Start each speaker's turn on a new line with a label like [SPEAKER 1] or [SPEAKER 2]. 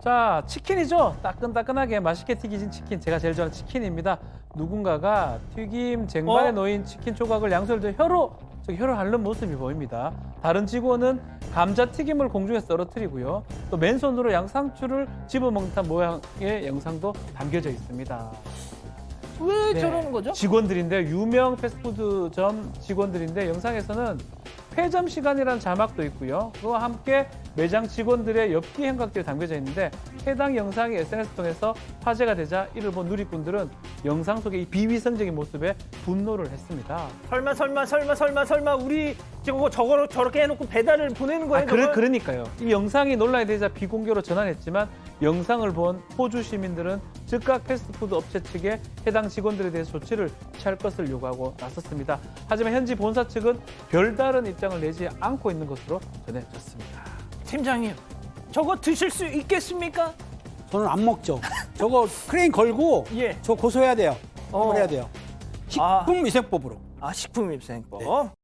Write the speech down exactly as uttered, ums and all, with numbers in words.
[SPEAKER 1] 자, 치킨이죠. 따끈따끈하게 맛있게 튀기진 치킨. 제가 제일 좋아하는 치킨입니다. 누군가가 튀김 쟁반에
[SPEAKER 2] 어?
[SPEAKER 1] 놓인 치킨 조각을 양손을 들어 혀로 저기 혀를 핥는 모습이 보입니다. 다른 직원은 감자튀김을 공중에서 떨어뜨리고요. 또 맨손으로 양상추를 집어먹는 듯한 모양의 영상도 담겨져 있습니다.
[SPEAKER 2] 왜
[SPEAKER 1] 네,
[SPEAKER 2] 저러는 거죠?
[SPEAKER 1] 직원들인데 유명 패스트푸드점 직원들인데 영상에서는 폐점 시간이라는 자막도 있고요. 그와 함께 매장 직원들의 엽기 행각들이 담겨져 있는데 해당 영상이 에스엔에스 통해서 화제가 되자 이를 본 누리꾼들은 영상 속의 이 비위생적인 모습에 분노를 했습니다.
[SPEAKER 2] 설마 설마 설마 설마 설마 우리 저거 저거 저렇게 해놓고 배달을 보내는 거예요?
[SPEAKER 1] 아, 그래,
[SPEAKER 2] 저걸?
[SPEAKER 1] 그러니까요. 이 영상이 논란이 되자 비공개로 전환했지만 영상을 본 호주 시민들은 즉각 패스트푸드 업체 측에 해당 직원들에 대해서 조치를 취할 것을 요구하고 나섰습니다. 하지만 현지 본사 측은 별다른 입장을 내지 않고 있는 것으로 전해졌습니다.
[SPEAKER 2] 팀장님, 저거 드실 수 있겠습니까?
[SPEAKER 3] 저는 안 먹죠. 저거 크레인 걸고
[SPEAKER 2] 예.
[SPEAKER 3] 저 고소해야 돼요.
[SPEAKER 2] 어.
[SPEAKER 3] 해야 돼요.
[SPEAKER 2] 아.
[SPEAKER 3] 식품위생법으로.
[SPEAKER 2] 아, 식품위생법.